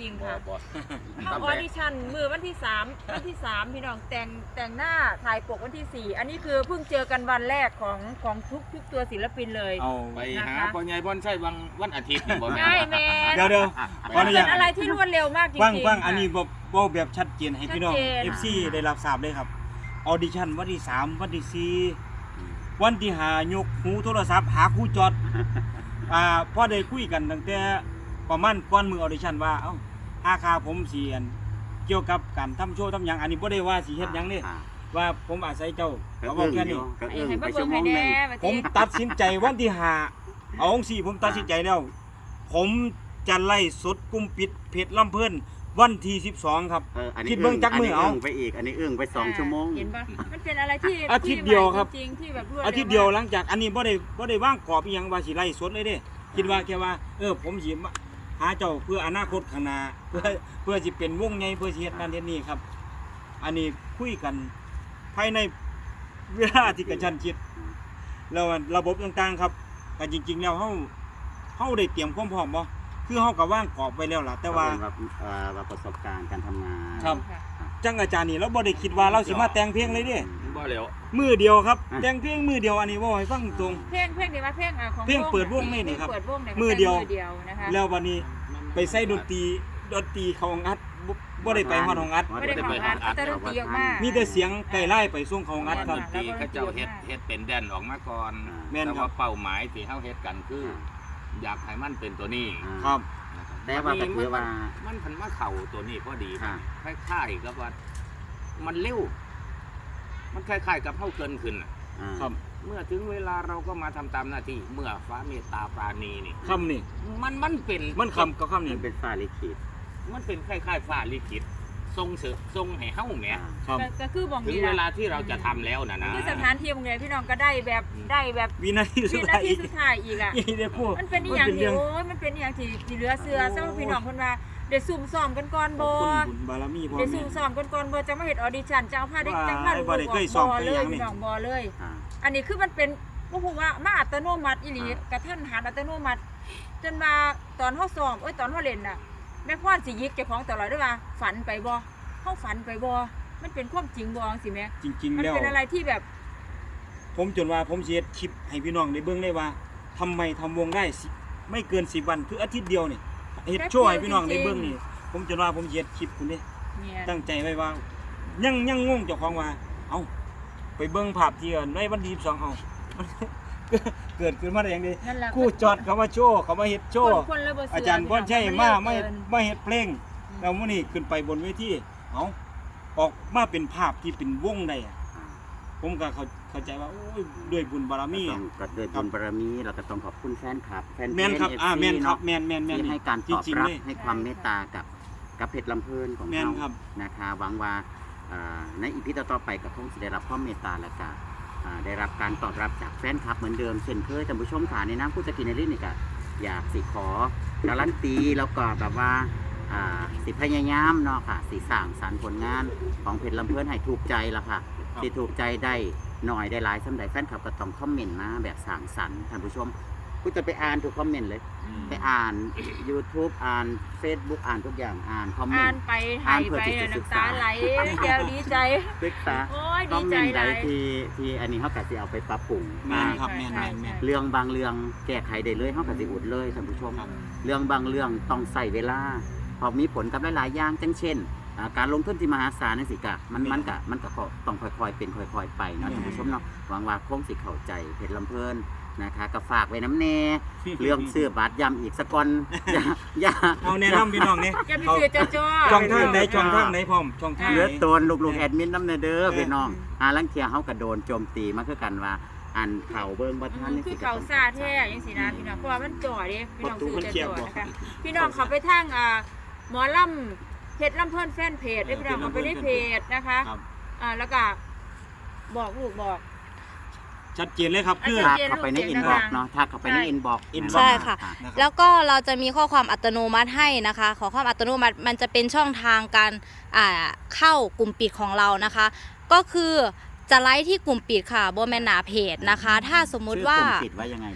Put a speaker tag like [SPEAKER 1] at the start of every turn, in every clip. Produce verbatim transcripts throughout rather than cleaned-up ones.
[SPEAKER 1] ริงๆค่ะเข้าออดิชั่นมือวันที่สามวันที่สามพี่น้องแต่งแต่งหน้าถ่ายปกวันที่สี่อันนี้คือเพิ่งเจอกันวันแรกของของทุกทุกตัวศิลปินเลย
[SPEAKER 2] เอาไปหาพ่อใหญ่พ่อใช่วันวันอาทิตย์นี่บ่
[SPEAKER 1] ใช่แม่
[SPEAKER 2] เดี๋ยวเดี๋ยว
[SPEAKER 1] มันเป็นอะไรที่รวดเร็วมากจริงๆ
[SPEAKER 2] ฟังฟังอันนี้บอกบอกแบบชัดเจนให้พี่น้อง
[SPEAKER 1] ชัดเจน
[SPEAKER 2] เอฟ ซี ได้รับทราบเลยครับออดิชั่นวันที่สามวันที่สี่วันที่ห้ายกหูโทรศัพท์หาครูจอดอ่าพอได้คุยกันตั้งแต่ประมาณก่อนมือออดิชั่นว่าเอ้าอาคาผมสิอันเกี่ยวกับการทำโชว์ทำหยังอันนี้บ่ได้ว่าสิเฮ็ดหยังนี่ว่าผมอาศัยเจ้าเขาบอกแค่นี้
[SPEAKER 1] ให้มาเบิ่งให้แน่ว่า
[SPEAKER 2] ผมตัดสินใจวันที่ห้าเอาองสี่ผมตัดสินใจแล้วผมจะไล่สดกุมปิดเพจลำเพิ่นวันที่สิบสองครับคิดเบิ่งจักมือเอา
[SPEAKER 3] ไปอีกอันนี้อึ้งไปสองชั่วโมง
[SPEAKER 1] เห็นปะมันเป็นอะไรที่
[SPEAKER 2] อาทิตย์เดียวครับ
[SPEAKER 1] จริงๆที่แบบรวดเร็ว
[SPEAKER 2] อาทิตย์เดียวหลังจากอันนี้บ่ได้บ่ได้วางกรอบอีหยังว่าสิไล่สดเลยเด้คิดว่าแค่ว่าเออผมสิหาเจ้าเพื่ออนาคตข้างหน้าเพื่อเพื่อสิเป็นวงใหญ่เพื่อสิเฮ็ดนั่นเฮ็ดนี่ครับอันนี้คุยกันภายในเวลาที่กระชั้นชิดแล้วระบบต่างๆครับแต่จริงๆแล้วเฮาเฮาได้เตรียมความพร้อมบ่คือเฮาก็วางกรอบไว้แล้วล่ะแต่ว่า
[SPEAKER 3] ว่าประสบการณ์การทำงาน
[SPEAKER 2] ครับจังอาจารย์นี่เราบ่ได้คิดว่าเราสิมาแต่งเพลงเลยเด้
[SPEAKER 4] บ่แล้ว
[SPEAKER 2] มือเดียวครับแต่งเพลงมือเดียวอันนี้บ่ให้ฟังตรง
[SPEAKER 1] เพลงเพลงนี่ว่าเพลงของ
[SPEAKER 2] เพลงเปิดวงนี่นี่ครับมือเดียวแล้ววันนี้ไปใส่ดนตรีดนตรีเขาอัดบ่ได้ไปฮอดห้องอัด
[SPEAKER 1] บ่ได้ไปฮอดอัดแต่ดนตรีออกมา
[SPEAKER 2] มีแต่เสียงไก่ไล่ไปส่งเขาอัดครับ
[SPEAKER 4] ดนตรีเขาเจ้าเฮ็ดเฮ็ดเป็นแดนออกมาก่อนแต่ว่าเป้าหมายที่เฮาเฮ็ดกันคืออยากให้มันเป็นตัวนี้
[SPEAKER 2] ครับ
[SPEAKER 3] แต่ว่าก็คือว่า
[SPEAKER 4] มันพันมาเข้าตัวนี้พอดีคล้ายๆกับว่ามันเร็วมันคล้ายๆกับเฮาเกินขึ้น
[SPEAKER 2] ครับ
[SPEAKER 4] เมื่อถึงเวลาเราก็มาทำตามหน้าที่เมื่อฟ้าเมตตาปราณีนี่
[SPEAKER 2] คำนี่
[SPEAKER 4] มันมันเป็น
[SPEAKER 2] มันคำก็คำนี่
[SPEAKER 3] เป็นฟ้าลิขิต
[SPEAKER 4] มันเป็นคล้ายๆฟ้าลิขิตทรงเสทรงให้เฮาแหม
[SPEAKER 1] ก็คือบอก
[SPEAKER 4] ถึงเวลาที่เราจะทำแล้วนะนะ
[SPEAKER 1] คือสถานที่บางอย่างพี่น้องก็ได้แบบได้แบบ
[SPEAKER 2] วินาทีสุดท้าย
[SPEAKER 1] สุดท้ายอีกอ่ะมันเป็นอย่างที่โอ้ยมันเป็นอย่างที่ที่เหลือเสือสำหรับพี่น้องคนว่าเดี๋ยวซุ่มซ้อมกันก่อนบ่เดี๋ยวซุ่มซ้อมกันก่อนบ่จะมาเฮ็ดออดิชั่นจะเอาผ้าได้จังผ้าลูกบ่เลยพี่น้องบ่เลยอันนี้คือมันเป็นบ่ฮู้ว่ามาอัตโนมัติอีหลีกระทันหันอัตโนมัติจนมาตอนเฮาซ้อมเอ้ยตอนเฮาเล่นน่ะแม่พ่อสิยิกเจ้าของตลอดด้วยว่าฝันไปบ่เฮาฝันไปบ่มันเป็นความจริงบ่จังซี่แม่
[SPEAKER 2] จริงๆแล้ว
[SPEAKER 1] มันเป็นอะไรที่แบบ
[SPEAKER 2] ผมจนว่าผมสิเฮ็ดคลิปให้พี่น้องได้เบิ่งได้ว่าทำไมทำวงได้ไม่เกินสิบวันคืออาทิตย์เดียวนี่เฮ็ดโชว์ให้พี่น้องได้เบิ่งนี่ผมจนว่าผมสิเฮ็ดคลิปคุณเด้ตั้งใจไว้ว่ายังยังงงเจ้าของว่าเอ้าไปเบิ่งภาพที่ในวันที่สิบสองเอ้าเกิดขึ้นมาได้ยังไงคู่จอดเขามาโชว์เขามาเฮ็ดโชว์อาจารย์พรชัยมาไม่มาเฮ็ดเพลงแล้วมื้อนี้ขึ้นไปบนเวทีเอ้าออกมาเป็นภาพที่เป็นวงได้อ่ะผมก็เข้าเข้าใจว่าโอ้ยด้วยบุญบารมี
[SPEAKER 3] ก็ด้วยบุญบารมีเราก็ต้องขอบคุณแฟนคลับแฟนเพจ
[SPEAKER 2] เอฟ ซี
[SPEAKER 3] เนาะ
[SPEAKER 2] ที่
[SPEAKER 3] ให้การตอบรับให้ความเมตตากับกับเพชรลำเพลินของเรานะคะหวังว่าในอีพีต่อๆไปกับคงจะได้รับความเมตตาและก็ได้รับการตอบรับจากแฟนคลับเหมือนเดิมเช่นเคยท่านผู้ชมค่ะในน้ำผู้จัดกินในลิ้นนี่ก็อยากสิขอการันตีแล้วก็แบบว่าสิพยายามเนาะค่ะสิสร้างสรรค์ผลงานของเพชรลำเพลินให้ถูกใจละค่ะที่ถูกใจได้หน่อยได้หลายสำหรับแฟนคลับก็ต้องคอมเมนต์มาแบบสร้างสรรค์ท่านผู้ชมกูจะไปอ่านทุกคอมเมนต์เลยไปอ่าน YouTube อ่าน Facebook อ่านทุกอย่างอ่านคอมเมนต์
[SPEAKER 1] อ่านไปอ่านไปน้ำตาไหลเดี๋ยวดีใจ
[SPEAKER 3] ศึกษาคอมเมนต์ใดที่ที่อันนี้เขาก็จะเอาไปปรับปรุง
[SPEAKER 2] ครับ
[SPEAKER 3] เรื่องบางเรื่องแก้ไขได้เลยเขาก็จะอุดเลยท่านผู้ชมเรื่องบางเรื่องต้องใส่เวลาพอมีผลกับหลายๆอย่างเช่นการลงทุนที่มหาศาลนี่สิกะมันมันกะมันก็ต้องค่อยๆเป็นค่อยๆไปเนาะท่านผู้ชมเนาะหวังว่าคงสิเข้าใจเพชรลำเพลินนะคะก็ฝากไว้น้ำแน่เรื่องซื้อบัตรย้ำอีกสักก่อนอย่าอย่า
[SPEAKER 2] เอาแนะนำพี่น้องนี่
[SPEAKER 1] อย่าไปซื้อจ้อ
[SPEAKER 2] ช่องทางไหนช่องทางไหนพร้อมช่องทาง
[SPEAKER 3] เหลือตัวลูกๆแอดมินน้ำเด้อพี่น้องหาลังเทียเฮาก็โดนโจมตีมาคือกันว่าอันเข่าเบิ่งบ่ทัน
[SPEAKER 1] นี่คือเข่าซาแท้จังซี่นะพี่น้องเพราะว่ามันจ่อเด้พี่น้องซื้อจ้อนะคะพี่น้องเข้าไปทางอ่าหมอลำเพจลำเพิ่นแฟนเพจได้พี่น้องเอาไปในเพจนะคะอ่าแล้วก็บอกลูกบอก
[SPEAKER 2] ชัดเจนเลยครับคือ
[SPEAKER 3] ทักเข้าไปในอินบ็อกซ์เนาะทักเข้าไปในอินบ็อกซ์
[SPEAKER 5] ใช่ค่ะแล้วก็เราจะมีข้อความอัตโนมัติให้นะคะขอความอัตโนมัติมันจะเป็นช่องทางการอ่าเข้ากลุ่มปิดของเรานะคะก็คือจะไลฟ์ที่กลุ่มปิดค่ะโบแมนหนาเพจนะคะถ้าสมมุติว่าก
[SPEAKER 3] ลุ่มปิดว่ายังไงลูก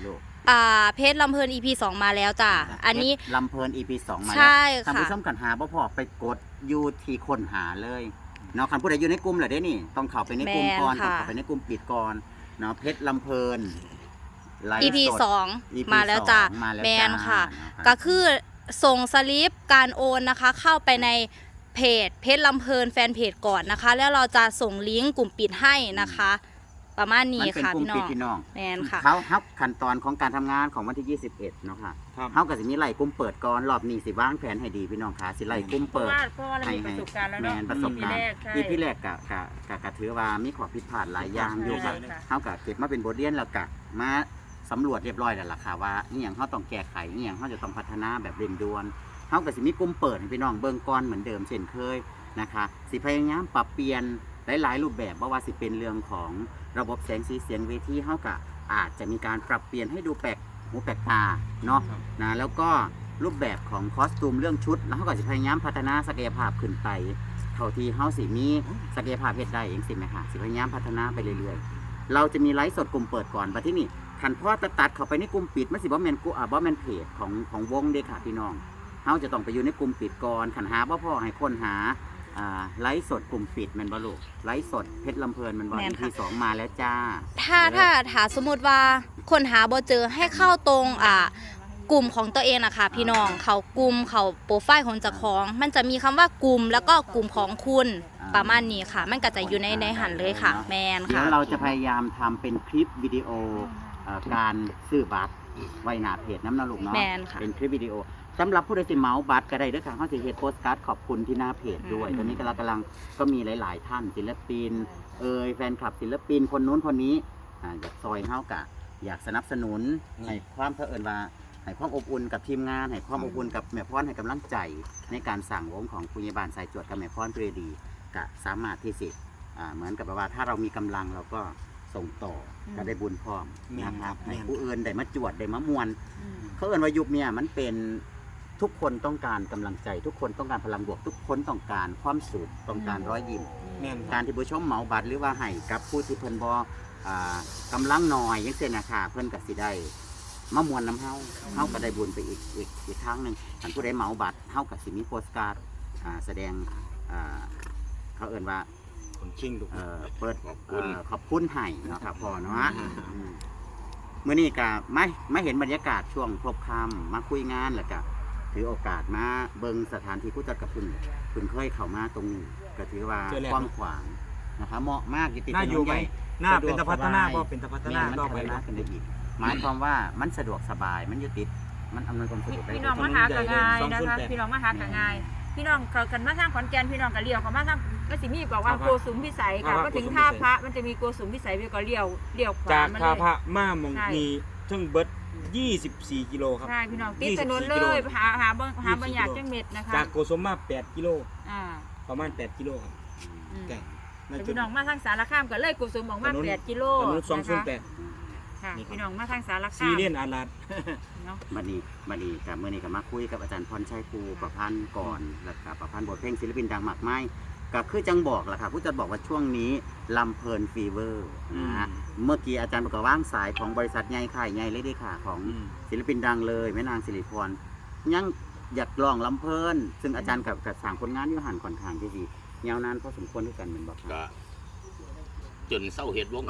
[SPEAKER 5] อ่าเพชรลำเพลิน อี พี สองมาแล้วจ้ะอันนี้
[SPEAKER 3] ลำเพลิน อี พี สองมา
[SPEAKER 5] ใช่
[SPEAKER 3] แล้วท่าน
[SPEAKER 5] ค่ะ
[SPEAKER 3] ผู้ชมกันหาบ่พอไปกดอยู่ที่ค้นหาเลยเนาะคันผู้ใดอยู่ในกลุ่มเหรอเด้นี่ต้องเข้าไปในกลุ่มก่อนต้องเข้าไปในกลุ่มปิดก่อนเนาะเพชรลำเพลินไลฟ์
[SPEAKER 5] อี พี
[SPEAKER 3] สด
[SPEAKER 5] สอง
[SPEAKER 3] อี พี
[SPEAKER 5] มาแล้วจ้ะ
[SPEAKER 3] สองมาแล้ว
[SPEAKER 5] แมน
[SPEAKER 3] จ้า
[SPEAKER 5] ค่ะ
[SPEAKER 3] นะครับ
[SPEAKER 5] ก็คือส่งสลิปการโอนนะคะ เข้าไปในเพจเพจลำเพลินแฟนเพจก่อนนะคะ แล้วเราจะส่งลิงก์กลุ่มปิดให้นะคะ ประมาณนี้
[SPEAKER 3] มันเป็น
[SPEAKER 5] ค่ะ
[SPEAKER 3] กลุ่ม
[SPEAKER 5] พี่น้
[SPEAKER 3] ปิ
[SPEAKER 5] อ
[SPEAKER 3] ด
[SPEAKER 5] ง
[SPEAKER 3] พี่น้อง
[SPEAKER 5] แมนค่ะ
[SPEAKER 3] เขาเขาขั้นตอนของการทำงานของวันที่ยี่สิบเอ็ดเนาะค่ะ
[SPEAKER 2] ครับ
[SPEAKER 3] เขากับสิมีไล่กลุ่มเปิดก่อนรอบนี้สิวางแผนให้ดีพี่น้องค่ะสิไล่กลุ่ม
[SPEAKER 1] เพราะ
[SPEAKER 3] เปิด
[SPEAKER 1] ว่าเพราะว่าเรามีประสบการณ์แล้ว
[SPEAKER 3] แม
[SPEAKER 1] เนาะ
[SPEAKER 3] นประสบการณ์
[SPEAKER 1] ปีแรกใช่
[SPEAKER 3] ที่พี่แรกกะกะกะกะถือว่ามีข้อผิดพลาดหลายอย่างอยู่ค่ะ
[SPEAKER 1] ใช่ค่ะ
[SPEAKER 3] เขากะเก็บมาเป็นบทเรียนแล้วกะมาสำรวจเรียบร้อยแล้วล่ะค่ะว่านี่อย่างเขาต้องแก้ไขนี่อย่างเขาจะต้องพัฒนาแบบเร่งด่วนเขากับสิมีกลุ่มเปิดให้พี่น้องเบิ่งก่อนเหมือนเดิมเช่นเคยนะคะสิพยายามปรับเปลี่ยนหลายๆรูปแบบเพราะว่าสิเป็นเรื่องของระบบแสงสีเสียงเวทีเขากะอาจจะมีการปรับเปลี่ยนให้ดูแปลกหูแปลกตาเนาะ
[SPEAKER 2] ครับ
[SPEAKER 3] นะแล้วก็รูปแบบของคอสตูมเรื่องชุด แล้วเขาก็จะพยายามพัฒนาศักยภาพขึ้นไปเท่าที่เขาสิมีศักยภาพเฮ็ดได้เองสิไหมคะสิพยายามพัฒนาไปเรื่อยๆ เราจะมีไลฟ์สดกลุ่มเปิดก่อนบัดที่นี่ขันพ่อตัดตัดเข้าไปในกลุ่มปิดมันสิบ่แม่นกูอ่าบ่แม่นเพจของของวงเด้ค่ะพี่น้องเขาจะต้องไปอยู่ในกลุ่มปิดก่อนขันหาบ่พอให้คนหาอ่าไลฟ์สดกลุ่มปิดแม่นบ่ลูกไลฟ์สดเพชรลำเพลินแมันบ่
[SPEAKER 5] แม่น
[SPEAKER 3] อี
[SPEAKER 5] ค่ะ
[SPEAKER 3] พีสองมาแล้วจ้า
[SPEAKER 5] ถ้าถ้าถ้าสมมติว่าคนหาบ่เจอให้เข้าตรงอ่ากลุ่มของตัวเองนะคะพี่น้องเขากลุ่มเขาโปรไฟล์ของเจ้าของ มันจะมีคำว่ากลุ่มแล้วก็กลุ่มของคุณ
[SPEAKER 3] อ่า
[SPEAKER 5] ประมาณนี้ค่ะ มันก็จะอยู่ในในหันเลยค่ะ แมน
[SPEAKER 3] เดี๋ย
[SPEAKER 5] ค่ะ
[SPEAKER 3] วเราจะพยายามทำเป็นคลิปวิดีโอเอ่อการซื้อบัตรไว้หน้าเพจน้ำนาลูกเนาะ
[SPEAKER 5] แม่นค่ะ
[SPEAKER 3] เป็นคลิปวิดีโอสำหรับผู้ใดสิเหมาบัตรก็ได้เด้วยค่ะเขาจะเฮ็ดโพสต์การ์ดขอบคุณที่หน้าเพจด้วย
[SPEAKER 5] อืม
[SPEAKER 3] ตอนนี้กำลังกำลังก็มีหลาย ๆ ท่านศิลปิน เอ่ยแฟนคลับศิลปินคนนู้นคนนี้อ่าอยากซอยเฮากะอยากสนับสนุนให้ความเผอิญว่าให้ความอบอุ่นกับทีมงานให้ความอบอุ่นกับแม่พรให้กำลังใจในการสั่งวงของคุณยายบาลสายจวดกับแม่พรเปรดีกะสามารถที่สิอ่าเหมือนกับว่าถ้าเรามีกำลังเราก็ส่งต่อก็ได้บุญพร้อมนะครับให้ผู้อื่นได้มาจวดได้มามวน
[SPEAKER 1] อืม
[SPEAKER 3] เขาเอิ้นว่ายุคเนี่ยมันเป็นทุกคนต้องการกำลังใจ ทุกคนต้องการพลังบวก ทุกคนต้องการความสุขต้องการรอยยิ้ม
[SPEAKER 2] แม่นค
[SPEAKER 3] กา
[SPEAKER 2] รับ
[SPEAKER 3] รที่ผู้ชมเหมาบัตรหรือว่าให้กับผู้ที่เพิ่นบ่อ่ากำลังน้อยอย่างเช่นนะคะเพิ่นก็สิได้มามวนน้ำเฮาเฮาก็ได้บุญไปอีกอีกอีกทางหนึงถ้าผู้ใดเหมาบัตรเฮาก็สิมีโปสการ์ดอ่าแสดงอ่าเขาเอิ้นว่า
[SPEAKER 2] คนชิงลูก
[SPEAKER 3] เอ่อเปิด
[SPEAKER 4] ขอบคุณ
[SPEAKER 3] เอ่อขอบคุณให้เนาะครับพ่อเนาะอืมมื้อนี้ก็มามาเห็นบรรยากาศช่วงพบค่ำมาคุยงานแล้วก็ถือโอกาสมาเบิ่งสถานที่ผู้จัดกับคุณคุณเคยเข้ามาตรงนี้ก็ถือว่า
[SPEAKER 2] เจอแล้ว
[SPEAKER 3] กว้างขวางนะครับเหมาะมากอยู่ติด
[SPEAKER 2] น่า
[SPEAKER 3] ถน
[SPEAKER 2] อยู่
[SPEAKER 3] น
[SPEAKER 2] ไหม
[SPEAKER 3] ใหญ่
[SPEAKER 2] หน้า
[SPEAKER 3] สะด
[SPEAKER 2] เป็
[SPEAKER 3] วน ก
[SPEAKER 2] ตะพัฒนา
[SPEAKER 3] สบาย
[SPEAKER 2] บ่เป็นตะพัฒนา
[SPEAKER 3] แม่น
[SPEAKER 2] ต่อ
[SPEAKER 3] มัน
[SPEAKER 2] ไป
[SPEAKER 3] พัฒนา
[SPEAKER 2] นะ
[SPEAKER 3] ขึ้นได้อีกหมายความว่ามันสะดวกสบายมันอยู่ติดมันอำนวยความสะดวกได้
[SPEAKER 1] พี่น้องมาหากันง่ายนะคะพี่น้องมาหากันง่ายพี่น้องเขากันมาทางขอนแก่นพี่น้องก็เลี้ยวเขามาทางก็สิมีบอกว่าโกสุมพิสัยค่ะก็ถึงท่าพระมันจะมีโกสุมพิสัยพี่ก็เลี้ยวเลี้ยวขวา
[SPEAKER 2] จาก
[SPEAKER 1] มา
[SPEAKER 2] ท่า
[SPEAKER 1] เลย
[SPEAKER 2] พระมาหมองนี้ถึงเบิดยี่สิบสี่กิโลครับ
[SPEAKER 1] ใช่พี่น้องติดถนน
[SPEAKER 2] ยี่
[SPEAKER 1] เล
[SPEAKER 2] สิบสี่
[SPEAKER 1] ย
[SPEAKER 2] กิโล
[SPEAKER 1] หาหาบางหาบางอย่างจังเม็ดนะคะ
[SPEAKER 2] จากโกสมมาแปดกิโล
[SPEAKER 1] อ่า
[SPEAKER 2] ประมาณแปดกิโลครับ
[SPEAKER 1] อืม
[SPEAKER 2] ใกล้น่า
[SPEAKER 1] แต่
[SPEAKER 2] จะ
[SPEAKER 1] พี่น้องมาทางสารคามก็เลยโกสุมออกมา
[SPEAKER 2] ถนน
[SPEAKER 1] แปดกิโล
[SPEAKER 2] ถนนสอง
[SPEAKER 1] นะ
[SPEAKER 2] ศูน
[SPEAKER 1] คะ
[SPEAKER 2] ย์แปด
[SPEAKER 1] ค่ะ
[SPEAKER 2] นี่ครับ
[SPEAKER 1] พี่น้องมาทางสารคาม
[SPEAKER 2] ซีเรียนอาลาด
[SPEAKER 1] เนาะ
[SPEAKER 3] บัดนี้บัดนี้กับมื้อนี้ก็มาคุยกับอาจารย์พรชัยครูประพันธ์ก่อนแล้วก็ประพันธ์บทเพลงศิลปินดังมากมายก็คือจังบอกล่ะค่ะผู้จัดบอกว่าช่วงนี้ลำเพลินฟีเวอร์นะฮะเมื่อกี้อาจารย์บอกว่าว่างสายของบริษัทใหญ่ค่ายใหญ่เลยเด้ค่ะของ
[SPEAKER 2] อืม
[SPEAKER 3] ศิลปินดังเลยแม่นางสิริพรยังอยากลองลำเพลินซึ่งอาจารย์กับกับสร้างผลงานอยู่หันค่อนข้างที่ดียาวนานพอสมควรด้วยกันเหมือนบอกครับ
[SPEAKER 4] ก็จนเศร้าเห็ดวง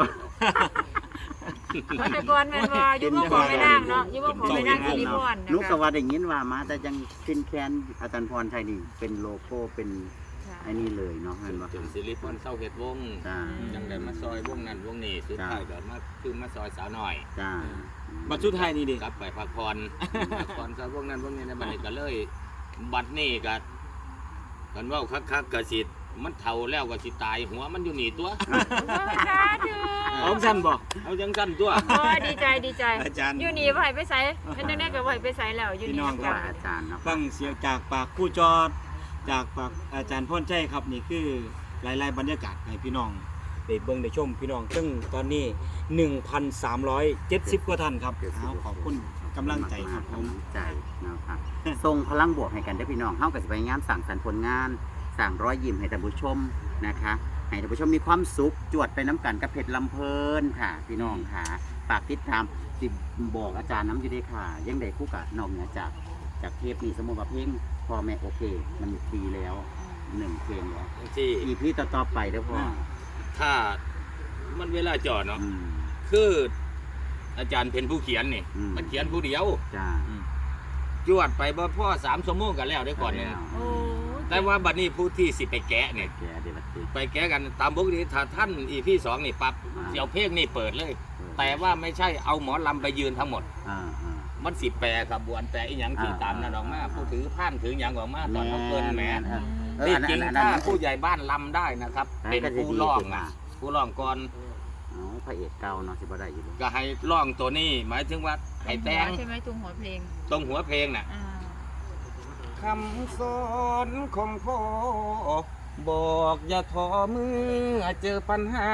[SPEAKER 1] แต่ก่อนแม่นว่าอยู่บ่ของไม่นั่งเนาะอยู่บ่ของไม่นั่งสิริพรนะ
[SPEAKER 3] นุก
[SPEAKER 1] คะ
[SPEAKER 3] ก็ว่าได้ยินว่ามาแต่ยังคินแคนอาจารย์พรชัยนี่เป็นโลโก้เป็นไอ้นี่เลยเนาะเห็นบ่
[SPEAKER 4] จนสิริพรเศร้าเห็ดวง
[SPEAKER 3] จ้า
[SPEAKER 4] จังได้มาซอยวงนั้นวงนี้สุดท้ายก็มาคือมาซอยสาวหน่อย
[SPEAKER 3] จ้า
[SPEAKER 2] บัตรสุดท้ายนี่ดิ
[SPEAKER 4] กลับไปพักผ่อนพักผ่อนซอยวงนั้นวงนี้ในบัดนี้ก็เลย บัดนี้ก็กันเว่าคักๆก็สิมันเฒ่าแล้วก็สิตายหัวมันอยู่นี่ตัว
[SPEAKER 1] สาธุ
[SPEAKER 2] เอาสั้นบ่
[SPEAKER 4] เอาจังซั่นตัว
[SPEAKER 1] โอ้ยดีใจดีใจ
[SPEAKER 2] อาจารย์
[SPEAKER 1] อยู่นี่บ่ให้ไปไสเป็นจังได๋ก็บ่ให้ไปไสแล้วอยู่
[SPEAKER 2] พี่
[SPEAKER 1] นี่
[SPEAKER 2] น้อง
[SPEAKER 1] นะ
[SPEAKER 2] ครั
[SPEAKER 1] คะ
[SPEAKER 2] บ
[SPEAKER 3] อาจารย์เนาะ
[SPEAKER 2] ฟังเสียงจากปากผู้จอด จากปากอาจารย์พ่นใจครับนี่คือหลายๆบรรยากาศให้พี่น้องได้เบิ่งได้ชมพี่น้องซึ่งตอนนี้ หนึ่งพันสามร้อยเจ็ดสิบ กว่าท่านครับเอาขอบคุณกำลังใจครับผม
[SPEAKER 3] กำลังใจนะครับส่งพลังบวกให้กันได้อพี่น้องเฮาก็สิพยายามสั่งสรรค์ผลงานสั่งรอยยิ้มให้ท่านผู้ชมนะคะให้ให้ท่านผู้ชมมีความสุขจวดไปน้ำกันกับเพชรลำเพลินค่ะ พี่น้องค่ะฝากติดตามสิบอกอาจารย์น้ำอยู่ดีค่ะ ยังได้คู่กับนอกเหนือจากจากเทปนี้สมมติว่าเพลงพ่อแม่โอเค มันดีแล้วหนึ่งเพลงแล้ว
[SPEAKER 4] ที่
[SPEAKER 3] อีพีต่อๆไปเด้อพ่อ
[SPEAKER 4] ถ้ามันเวลาจอดเนาะ
[SPEAKER 3] อืม
[SPEAKER 4] คืออาจารย์เป็นผู้เขียนนี่
[SPEAKER 3] อืม
[SPEAKER 4] มันเขียนผู้เดียว
[SPEAKER 3] จ้า
[SPEAKER 4] จวดไปบ่พ่อสามชั่วโมงกันแล้วได้ก่อนเนี่ย
[SPEAKER 1] โอ้
[SPEAKER 4] แต่ว่าบัดนี้ผู้ที่สิไปแกะเนี่ย
[SPEAKER 3] แกเดี๋ยวบัดนี้
[SPEAKER 4] ไปแกะกันตามปกติถ้าท่านอีพี่สองนี่ปั๊บ
[SPEAKER 3] อ่า
[SPEAKER 4] เสี่ยวเพลงนี่เปิดเลย แต่ว่าไม่ใช่เอาหมอลำไปยืนทั้งหมด
[SPEAKER 3] อ่าอ่า
[SPEAKER 4] มันสิแปรขบวนแต่อีหยังที่
[SPEAKER 3] อ่า
[SPEAKER 4] ตามนั่นออกมา
[SPEAKER 3] อ่า
[SPEAKER 4] ผู้ถือผ้านถือหยังออกมาตอนเขาเกินแหม
[SPEAKER 3] เออ
[SPEAKER 4] ที่
[SPEAKER 3] อันนั้น
[SPEAKER 4] จริง
[SPEAKER 3] อันนั้น
[SPEAKER 4] ถ้า
[SPEAKER 3] อันนั้น
[SPEAKER 4] ผู้ใหญ่บ้านลำได้นะครับ
[SPEAKER 3] อันนั้
[SPEAKER 4] เป็น
[SPEAKER 3] นก็จะ
[SPEAKER 4] ผู้
[SPEAKER 3] ดี
[SPEAKER 4] ร้อง
[SPEAKER 3] ขึ้นมา
[SPEAKER 4] นะผู้ร้องก่อน
[SPEAKER 3] อ๋อพระเอกเก่าเนาะสิบ่ได้อยู่เลย
[SPEAKER 4] ก็ให้ร้องตัวนี้ หมายถึงว่าให้แต่ง
[SPEAKER 1] ใช่ไหมตรงหัวเพลง
[SPEAKER 4] ตรงหัวเพลงน่ะ
[SPEAKER 1] อ่า
[SPEAKER 4] คำสอนของพ่อบอกอย่าท้อเมื่อเจอปัญหา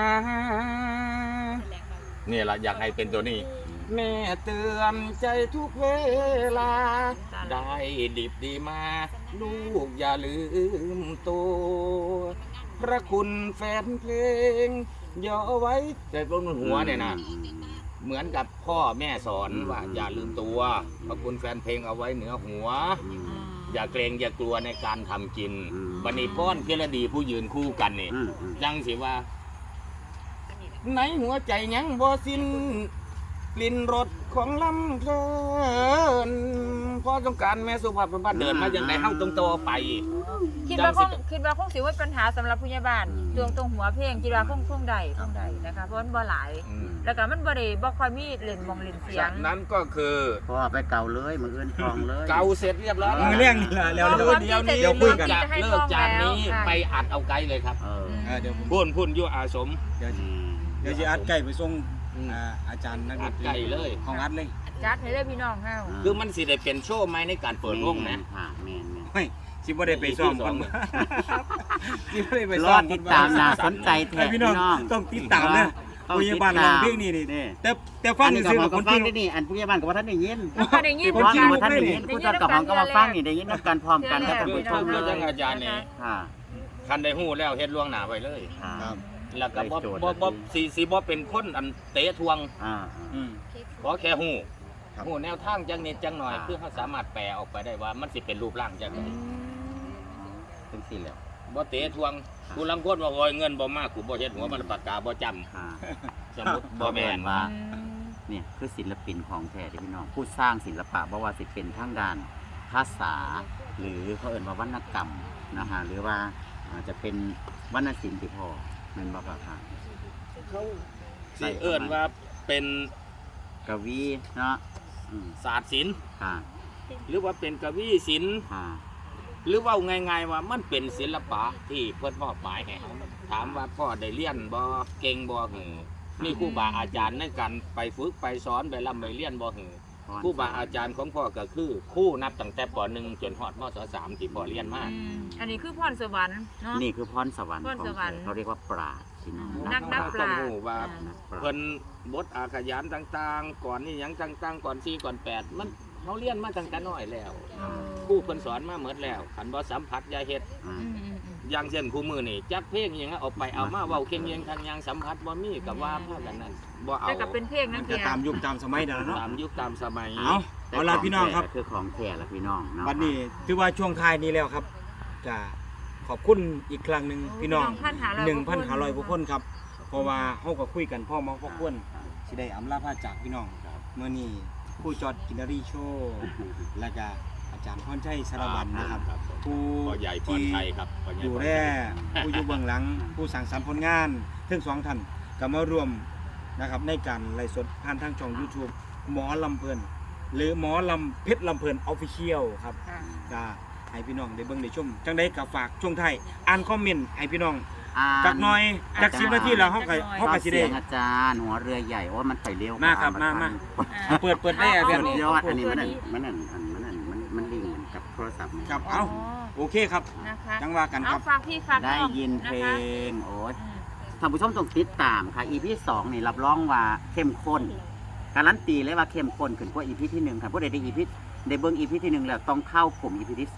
[SPEAKER 4] นี่แหละอยากให้เป็นตัวนี้ แม่เตือนใจทุกเวลา ได้ดิบดีมา ลูกอย่าลืมตัวพระคุณแฟนเพลงอย่าเอาไว้แต่บนหัวเนี่ยนะ เหมือนกับพ่อแม่สอนว่าอย่าลืมตัวพระคุณแฟนเพลงเอาไว้เหนือหัว
[SPEAKER 3] อืม
[SPEAKER 4] อย่าเกรงอย่ากลัวในการทำกิน
[SPEAKER 3] อืม
[SPEAKER 4] บันนี้ป้อนเกลดีผู้ยืนคู่กันนี่
[SPEAKER 3] อืมอืม
[SPEAKER 4] จังสิว่าในหัวใจยังบ่สิ้นกลิ่นรสของลำเพลินพอต้องการแม่สุภาพบุรุษเดินมาอย่างไรเฮาต้องโตไป
[SPEAKER 1] คิดว่าคงคิดว่าคงสิว่าปัญหาสำหรับผู้ใหญ่บ้านตรงตรงหัวเพลงคิดว่าคงคงใดคงใดนะคะเพราะมันบ่หลาย
[SPEAKER 4] อืม
[SPEAKER 1] แล้วก็มันบ่ได้บ่ค่อยมีเล่นมองเล่นเสีย
[SPEAKER 4] จาง กนั้นก็คือ
[SPEAKER 3] พ่อไปเก่าเลยมืออื่นทองเลย
[SPEAKER 4] เกาเสร็จเรียบร้อย
[SPEAKER 2] มือเรื่องนี่ละแล้ว
[SPEAKER 1] เอา
[SPEAKER 2] เดี๋ยว
[SPEAKER 1] ความ
[SPEAKER 2] เดี๋ยว
[SPEAKER 1] ที่
[SPEAKER 2] เดี๋ยวคุยกัน
[SPEAKER 1] จะ
[SPEAKER 4] จาก
[SPEAKER 1] ให้
[SPEAKER 4] เลิ
[SPEAKER 1] ฟ้
[SPEAKER 4] ก
[SPEAKER 1] อง
[SPEAKER 4] จากนี้
[SPEAKER 1] แล้ว
[SPEAKER 4] ไปอัดเอาไกลเลยครับ
[SPEAKER 3] เออ
[SPEAKER 2] เออเดี๋ยวผม
[SPEAKER 4] พุ่นพุ่นอยู่อาสม
[SPEAKER 2] เดี๋ยว
[SPEAKER 3] อืม
[SPEAKER 2] เดี๋ยวจะอัดใกล้ไปส่ง
[SPEAKER 4] อืม
[SPEAKER 2] อ่าอาจารย์นักด
[SPEAKER 4] อั
[SPEAKER 2] น
[SPEAKER 4] ด
[SPEAKER 2] ตรี
[SPEAKER 4] ใกล้เลย
[SPEAKER 2] ของอัดเลย
[SPEAKER 1] จัดให้ได้พี่น้องเฮา
[SPEAKER 4] คือมันสิได้เป็นโชว์ไหมในการเปิดวงนะ
[SPEAKER 3] ค่ะแม่นแม่น
[SPEAKER 2] ไม่สิบ่ได้ไปซ้อมก่อนสิบ่ได้ไป
[SPEAKER 3] ร
[SPEAKER 2] ซ้
[SPEAKER 3] อ
[SPEAKER 2] อม
[SPEAKER 3] ติดตามน่าสนใจแท้
[SPEAKER 2] ให้พี่น้องต้องติดตามนะ
[SPEAKER 3] ต้อง
[SPEAKER 2] ผู้ใหญ่บ้านร้องเพลงนี่นี่
[SPEAKER 3] นี่
[SPEAKER 2] แต่แต่ฟัง
[SPEAKER 3] อันนี้
[SPEAKER 2] ซื่อ
[SPEAKER 3] ก็
[SPEAKER 2] ๆ
[SPEAKER 3] พ
[SPEAKER 2] กั
[SPEAKER 3] อบ
[SPEAKER 2] คน
[SPEAKER 3] ฟั
[SPEAKER 2] ที่
[SPEAKER 3] งได้นี่อันผู้ใหญ่บ้านก็ว่าท่านได้ยิน
[SPEAKER 1] แล้วก็ได้ยิน
[SPEAKER 2] ผม
[SPEAKER 3] ผู้
[SPEAKER 2] คิ
[SPEAKER 3] ฟั
[SPEAKER 2] ด
[SPEAKER 3] ง
[SPEAKER 2] ว่า
[SPEAKER 3] ว่าท่านได้ยินผู้จัดกับของก็มาฟังนี่ได้ยินน้ำกันพร้อมกันกับท่านผู้ชม
[SPEAKER 4] คือ
[SPEAKER 3] เล
[SPEAKER 4] จั
[SPEAKER 3] ย
[SPEAKER 4] งอาจารย์นี่
[SPEAKER 3] ค่ะ
[SPEAKER 4] คันได้ฮู้แล้วเฮ็ดล่วงหน้าไว้เลย
[SPEAKER 3] ค่ะ
[SPEAKER 2] ครับ
[SPEAKER 4] แล้วก็บ่
[SPEAKER 3] ได้โจทย์
[SPEAKER 4] บ่บ่สิสิบ่เป็นคนอันเตะทวง
[SPEAKER 3] อ่า
[SPEAKER 2] อืม
[SPEAKER 4] ขอแค่ฮู้
[SPEAKER 2] ครับ
[SPEAKER 4] ฮู้แนวทางจังนิดจังหน่อย
[SPEAKER 3] อ่า
[SPEAKER 4] เพื่อเฮาสามารถแปลออกไปได้ว่ามันสิเป็นรูปร่างจังได
[SPEAKER 3] ถึงสี่แล้ว
[SPEAKER 4] บ่เตะทวงกูลังคนว่าโอยเงินบ่มากกูบ่เฮ็ดหัวมันปากกาบ่จำ
[SPEAKER 3] ค่ะ
[SPEAKER 4] สมมุติบ่แม่น
[SPEAKER 3] ว่า เนี่ยคือศิลปินของแท้ที่พี่น้องผู้สร้างศิลปะบ่ว่าสิเป็นทางด้านภาษา หรือเขาเอ่นว่าวรรณกรรมนะฮะหรือว่าอาจจะเป็นวรรณศิลป์ที่พ่อแม่นบ่ครับค่ะ
[SPEAKER 4] เขาสิเอิ้นว่าเป็น
[SPEAKER 3] กวีเนาะอืม
[SPEAKER 4] ศาสตร์ศิลป์
[SPEAKER 3] ค่ะ
[SPEAKER 4] หรือว่าเป็นกวีศิลป์
[SPEAKER 3] ค่ะ
[SPEAKER 4] หรือว่าง่ายๆว่ามันเป็นศิลปะที่เพิ่นมอบหมายให้เฮาถามว่าพ่อได้เรียนบ่เก่งบ่หือมีครูบาอาจารย์ในการไปฝึกไปสอนไปร่ำไปเรียนบ่หือครูบาอาจารย์ของพ่อก็คือครูนับตั้งแต่ป หนึ่ง จนฮอดม สาม ที่พ่อเรียนมา
[SPEAKER 1] อันนี้คือพรสวรรค์เนาะ
[SPEAKER 3] นี่คือพรสวรรค์
[SPEAKER 1] พร
[SPEAKER 3] ของ
[SPEAKER 1] สวรรค์
[SPEAKER 3] แท้เขาเรียกว่าปราชญ์พี่น้อง
[SPEAKER 1] นักนับป
[SPEAKER 4] ต้อ
[SPEAKER 1] ราง ชญ์
[SPEAKER 4] รู้ว่า
[SPEAKER 3] นักปราช
[SPEAKER 4] เพิ่น
[SPEAKER 3] ญ์
[SPEAKER 4] บทอาขยานต่างๆ ก่อนนี่หยังต่างๆ ก่อนสี่ก่อนแปดมันเขาเรียนมาตั้งแต่น้อยแล้วครูเพิ่นสอนมาหมดแล้วคันบ่สัมผัสอย่าเฮ็ด
[SPEAKER 3] อ่า
[SPEAKER 1] อืมอืมอืม
[SPEAKER 4] อย่างเช่นคู่มือนี่จักเพลงอหยังเอาไปเอามาเว้าเค็งเยียงทางยังสัมผัสบ่มีกับว่าพากันนั้นบ่เอา
[SPEAKER 1] แต่ก็เป็นเพลง
[SPEAKER 2] มั
[SPEAKER 1] นั่
[SPEAKER 2] น
[SPEAKER 1] น
[SPEAKER 2] จะ
[SPEAKER 1] เพียง
[SPEAKER 2] ตามยุคตามสมัยเดี๋ยวเนาะ
[SPEAKER 4] ตามยุคตามสมัย
[SPEAKER 2] เอาเอาล่ะพี่น้องครับ
[SPEAKER 3] คือของแท้ละพี่น้องเนาะ
[SPEAKER 2] วันนี้ถือว่าช่วงท้ายนี้แล้วครับจะขอบคุณอีกครั้งหนึ่งพี่น้อง หนึ่งพันห้าร้อยกว่าคนครับ เพราะว่าเฮาก็คุยกันพ่อมาพ่อควรสิได้อำลาพาจากพี่น้องเมื่อนี้ผู้จอดกินนารีโชว์และก็อาจารย์พรชัยสารวัตรนะครับ ผู้
[SPEAKER 4] พ่อใหญ่พรไทยครับพ่อใหญ่
[SPEAKER 2] ดู
[SPEAKER 4] พร
[SPEAKER 2] แล
[SPEAKER 4] ไทย
[SPEAKER 2] ผู้อยู่เบื้องหลัง ผู้สั่งสรรค์ผลงานทั้งสองท่านก็มารวมนะครับในการไลฟ์สดผ่านทางช่อง YouTube หมอลำเพลินหรือหมอลำเพชรลำเพลินออฟฟิเชียลครับ
[SPEAKER 1] ค่ะ
[SPEAKER 2] ก็ให้พี่น้องได้เบิ่งได้ชมจังได้กับฝากช่วงไทายอ่านคอมเมนต์ให้พี่น้อง
[SPEAKER 3] อ่า
[SPEAKER 2] จักหน่อยจักสิบนาทีแล้วเฮาก็เฮาก็สิ
[SPEAKER 3] เสี
[SPEAKER 2] ได้
[SPEAKER 3] ยงอาจารย์หัวเรือใหญ่โอ้มันไปเร็ว
[SPEAKER 2] มาครับมามา
[SPEAKER 1] อ่า
[SPEAKER 2] เปิดเปิดได้อะ
[SPEAKER 1] เอา
[SPEAKER 2] เพีย
[SPEAKER 3] สุ
[SPEAKER 2] ง
[SPEAKER 3] ดยอดอันนี้
[SPEAKER 1] ตัว
[SPEAKER 3] มัน
[SPEAKER 1] นี้
[SPEAKER 3] นั่นมันนั่นอันมันนั่นมันมันลิงก์กับโทรศัพท์ไหม
[SPEAKER 2] ครับเอ้าโอเคครับ
[SPEAKER 1] นะคะ
[SPEAKER 2] จังว่ากันค
[SPEAKER 1] เอา
[SPEAKER 2] รับ
[SPEAKER 1] ฝากพี่ฝาก
[SPEAKER 3] ได้
[SPEAKER 1] น้อง
[SPEAKER 3] ยินเพล
[SPEAKER 1] นะคะ
[SPEAKER 3] งโอ้ย
[SPEAKER 1] อืม
[SPEAKER 3] ท่านผู้ชมต้องติดตามค่ะ อี พี สองนี่รับรองว่าเข้มข้นการันตีเลยว่าเข้มข้นขึ้นกว่า อี พี ที่หนึ่งค่ะผู้ใดได้ อี พี ได้เบิ่ง อี พี ที่หนึ่งแล้วต้องเข้ากลุ่ม อี พี ที่สอง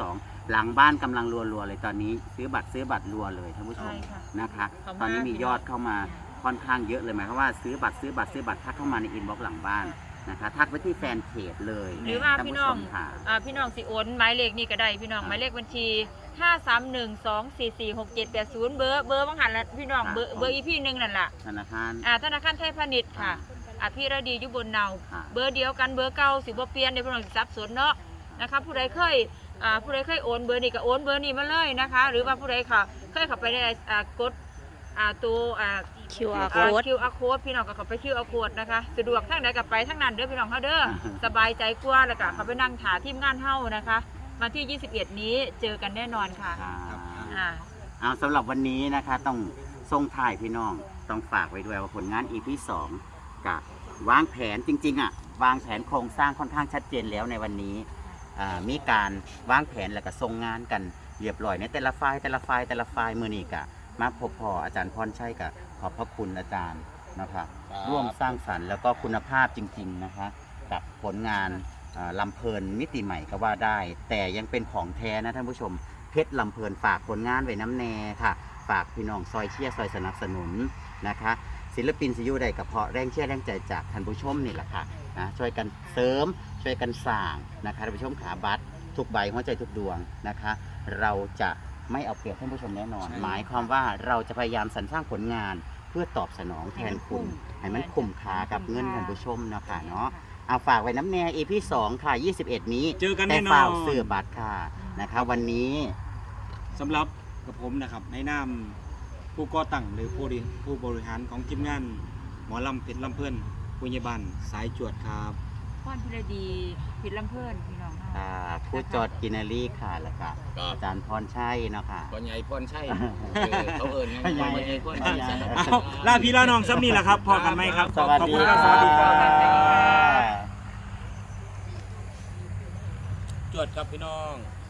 [SPEAKER 3] หลังบ้านกำลังรัวๆเลยตอนนี้ซื้อบัตรซื้อบัตรรัวเลยท่านผู้ชม
[SPEAKER 1] ใช่ค่ะ
[SPEAKER 3] นะคะ
[SPEAKER 1] ขอบคุณ
[SPEAKER 3] ตอนนี้มี
[SPEAKER 1] มาก
[SPEAKER 3] ยอดเข้ามาค่อนข้างเยอะเลยหมายความว่าซื้อบัตรซื้อบัตรซื้อบัตรทักเข้ามาในอินบ็อกซ์หลังบ้านนะคะทักไปที่แฟนเพจเลย
[SPEAKER 1] หรือว่า
[SPEAKER 3] ท่าน
[SPEAKER 1] พี่
[SPEAKER 3] ผู้
[SPEAKER 1] น้
[SPEAKER 3] ช
[SPEAKER 1] อง
[SPEAKER 3] มค่ะ
[SPEAKER 1] อ่าพี่น้องสิโอนหมายเลขนี่ก็ได้พี่น้อง
[SPEAKER 3] อ่า
[SPEAKER 1] หมายเลขบัญชีห้า สาม หนึ่ง สอง สี่ สี่ หก เจ็ด แปด ศูนย์เบอร์เบอร์บางหันละพี่น้อง
[SPEAKER 3] อ่า
[SPEAKER 1] เบอร์เบอร์อีพี่หนึงนั่นล่ะ
[SPEAKER 3] ธนาคาร
[SPEAKER 1] อ่าธนาคารไทยพาณิชย์ค่ะอ่าพี่ระดีอยู่บนเนา
[SPEAKER 3] อ่า
[SPEAKER 1] เบอร์เดียวกันเบอร์เก่าสิบ่เปลี่ยนเดี๋ยวพี่น้องสิสับสนเนาะนะคะผู้ใดเคยอ่าผู้ใดเคยโอนเบอร์นี้ก็โอนเบอร์นี้มาเลยนะคะ หรือว่าผู้ใดค่ะเคยเข้าไปในอ่ากดอ่าตัวอ่า
[SPEAKER 5] คิว อาร์
[SPEAKER 1] อ่า
[SPEAKER 5] code
[SPEAKER 1] คิว อาร์ code พี่น้องก็เข้าไป คิว อาร์ code นะคะสะดวกทางไหนก็ไปทางนั้นเด้อพี่น้องเฮาเด้อ สบายใจกว่าแล้วก็เขาไปนั่งถาทีมงานเฮานะคะวันที่ยี่สิบเอ็ดนี้เจอกันแน่นอนค่ะ
[SPEAKER 3] อ่า
[SPEAKER 1] อ่า
[SPEAKER 3] เอาสำหรับวันนี้นะคะต้องส่งถ่ายพี่น้องต้องฝากไว้ด้วยว่าผลงาน อี พี สองกับวางแผนจริงๆอ่ะวางแผนโครงสร้างค่อนข้างชัดเจนแล้วในวันนี้อ่ามีการวางแผนแล้วก็ส่งงานกันเรียบร้อยในแต่ละฝ่ายแต่ละฝ่ายแต่ละฝ่ายมือนี้กะมาพบพออาจารย์พรชัยกับขอบพระคุณอาจารย์นะคะ
[SPEAKER 4] ครับ
[SPEAKER 3] ร่วมสร้างสรรค์แล้วก็คุณภาพจริงๆนะคะกับผลงานอ่าลำเพลินมิติใหม่ก็ว่าได้ แต่ยังเป็นของแท้นะท่านผู้ชมเพชรลำเพลินฝากผลงานไว้น้ำแน่ค่ะ ฝากพี่น้องซอยเชียร์ซอยสนับสนุนนะคะ ศิลปินสิอยูใดกับเพราะแรงเชียร์แรงใจจากท่านผู้ชมนี่แหละค่ะนะช่วยกันเสริมช่วยกันสร้างนะคะท่านผู้ชมขาบัตรทุกใบหัวใจทุกดวงนะคะ เราจะไม่เอาเปรียบท่านผู้ชมแน่นอน หมายความว่าเราจะพยายามสรรสร้างผลงานเพื่อตอบสนองแทนคุณให้มันคุ้มค่ากับเงินท่านผู้ชมเนาะค่ะเนาะเอาฝากไว้น้ำแน่ อี พี สองค่ะยี่สิบเอ็ดนี้
[SPEAKER 2] เจอกัน
[SPEAKER 3] แต่
[SPEAKER 2] แน่นอน
[SPEAKER 3] ฝ่าวเสื้อบัตรค่ะนะคะ วันนี้
[SPEAKER 2] สำหรับกับผมนะครับในนามผู้ก่อตั้งหรือผู้บริผู้บริหารของทีมงานหมอลำเพชรลำเพื่อนผู้ใหญ่บ้านสายจวดครับ
[SPEAKER 1] พ่อนพิรดีผิดลำเพื่อนพี่น้องเฮา
[SPEAKER 3] อ่าผู้จอดกินนารีค่ะแล้วก็
[SPEAKER 4] ครับ
[SPEAKER 3] อาจารย์พรชัยเนาะค่ะ
[SPEAKER 4] พ่อใหญ่พ่อนใช่เขาเอิญไง
[SPEAKER 3] พ่อใหญ่
[SPEAKER 4] พ่อใหญ่พ่อนใช่
[SPEAKER 2] เอาลาพี่ลาน้องซ้ำนี่แหละครับพอกันไหมครับ
[SPEAKER 3] สวัส
[SPEAKER 2] ขอบ
[SPEAKER 3] ดี
[SPEAKER 2] คุณ
[SPEAKER 3] ค
[SPEAKER 2] ค
[SPEAKER 3] รั
[SPEAKER 2] รับ บสวัสดีครับ
[SPEAKER 1] บ
[SPEAKER 2] จวดครับพี่น้อง